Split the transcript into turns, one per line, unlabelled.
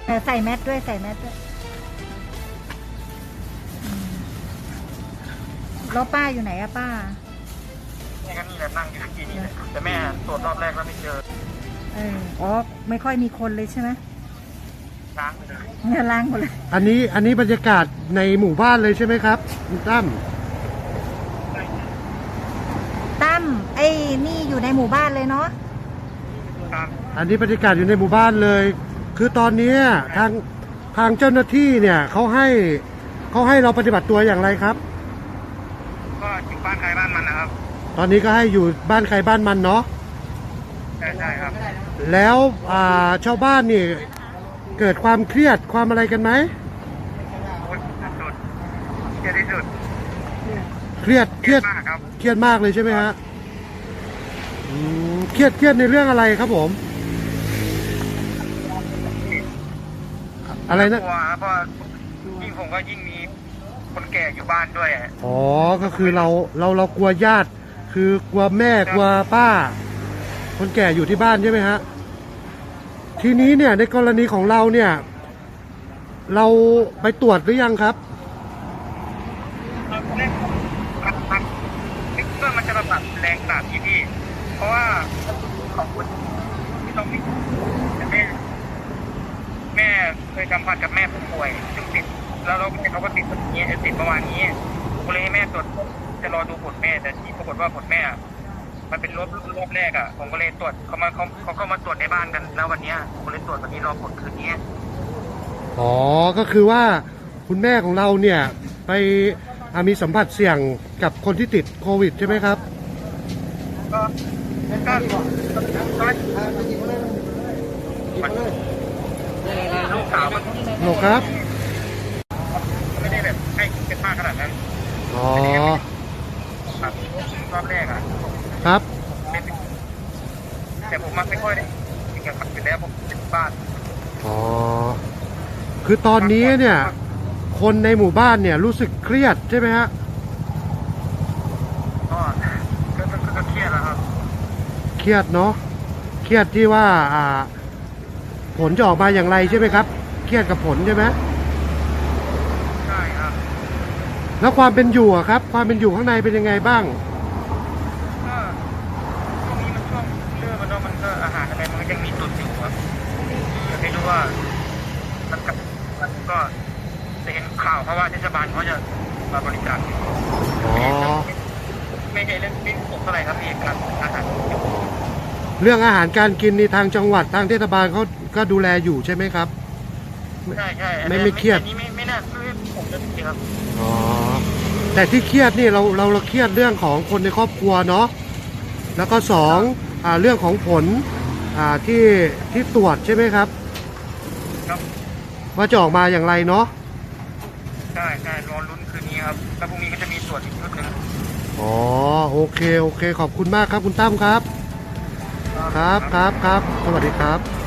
ใส่แมสด้วยใส่แมสด้วยแล้วป้าอยู่ไหนอะป้า
แม่ก็นี่แหละนั่งอยู่ที่นี่แหละแต่แม่ตรวจรอบแรกแล้วไม่เจอ
อ๋อไม่ค่อยมีคนเลยใช่ไหม
ล้างไปเลย
เนี่ยล้างหมดเลย
อันนี้บรรยากาศในหมู่บ้านเลยใช่ไหมครับคุณตั้ม
ไอ้นี่อยู่ในหมู่บ้านเลยเนาะ
อันนี้บรรยากาศอยู่ในหมู่บ้านเลยคือตอนนี้ทางเจ้าหน้าที่เนี่ยเขาให้เราปฏิบัติตัวอย่างไรครับ
ก็อยู่บ้านใครบ้านมันนะครับ
ตอนนี้ก็ให้อยู่บ้านใครบ้านมันเนาะ
ใช่ครับ
แล้วชาวบ้านนี่เกิดความเครียดความอะไรกันไหม
เครียดที่สุด
เครียด
มากครับ
เครียดมากเลยใช่ไหมฮะเครียดในเรื่องอะไรครับผมอะไรนะ
กลัวเพราะยิ่งผมก็ยิ่งมีคนแก่อยู่บ้านด้วย
อ๋อก็คือเรากลัวญาติคือกลัวแม่กลัวป้าคนแก่อยู่ที่บ้านใช่ไหมฮะทีนี้เนี่ยในกรณีของเราเนี่ยเราไปตรวจหรือยังครับ
คิดว่ามันจะระบาดแรงขนาดนี้พี่เพราะว่าของคุณที่ต้องมีแม่เคยสัมผัสกับแม่ผู้ป่วยซึ่งติดแล้วเขาก็ติดแบบนี้ติดประมาณนี้ผมก็เลยให้แม่ตรวจจะรอดูผลแม่แต่ที่ปรากฏว่าผลแม่มันเป็นรอบแรกอ่ะผมก็เลยตรวจเขาก็มาตรวจในบ้านกันแล้ววันนี้ผมก็เลยตรวจวันนี้รอผลคืนนี้
อ๋อก็คือว่าคุณแม่ของเราเนี่ยไปมีสัมผัสเสี่ยงกับคนที่ติดโควิดใช่ไหมครับ
ก็ลูกสาวมัน
หรอครับ
ไม่ได้แบบให้เป็นมากขนาดนั้น
อ๋อ
ครับรอบแรกอ่ะ
ครับ
แต่ผมไม่ค่อยได้กินกับเสร็จแล้วผมเป็นบ้าน
อ๋อคือตอนนี้เนี่ยคนในหมู่บ้านเนี่ยรู้สึกเครียดใช่ไหมฮะ
ก็เครียดแล้วครับ
เครียดเนาะเครียดที่ว่าผลจะออกมาอย่างไรใช่ไหมครับเครียดกับผลใช่ไหม
ใช่ครับ
แล้วความเป็นอยู่อะครับความเป็นอยู่ข้างในเป็นยังไงบ้าง
ก็ช่วงนี้มันช่วงเรื่องมันก็อาหารอะไรมันก็ยังมีตุนอยู่ครับไม่รู้ว่ามันก็จะเห็นข่าวเพราะว่าเทศบาลเขาจะมาบริจาคไม่ใช่เรื่องที่ผมเท่าไหร่ครับพี่การอาหาร
เรื่องอาหารการกินในทางจังหวัดทางเทศบาลเขาก็ดูแลอยู่ใช่ไหมครับ
ใช่
ไม่เครียด
นี่ไม่น่าผมจะจริงครับ
อ๋อแต่ที่เครียดนี่เราเครียดเรื่องของคนในครอบครัวเนาะแล้วก็สองเรื่องของผลที่ตรวจใช่ไหมครับว่าจะออกมาอย่างไรเนาะ
ใช่รอลุ้นคืนนี้ครับแล้วพรุ่งนี้ก็จะมีตรวจอีกชุดหนึ่ง
อ๋อโอเคขอบคุณมากครับคุณตั้มครับครับสวัสดีครับ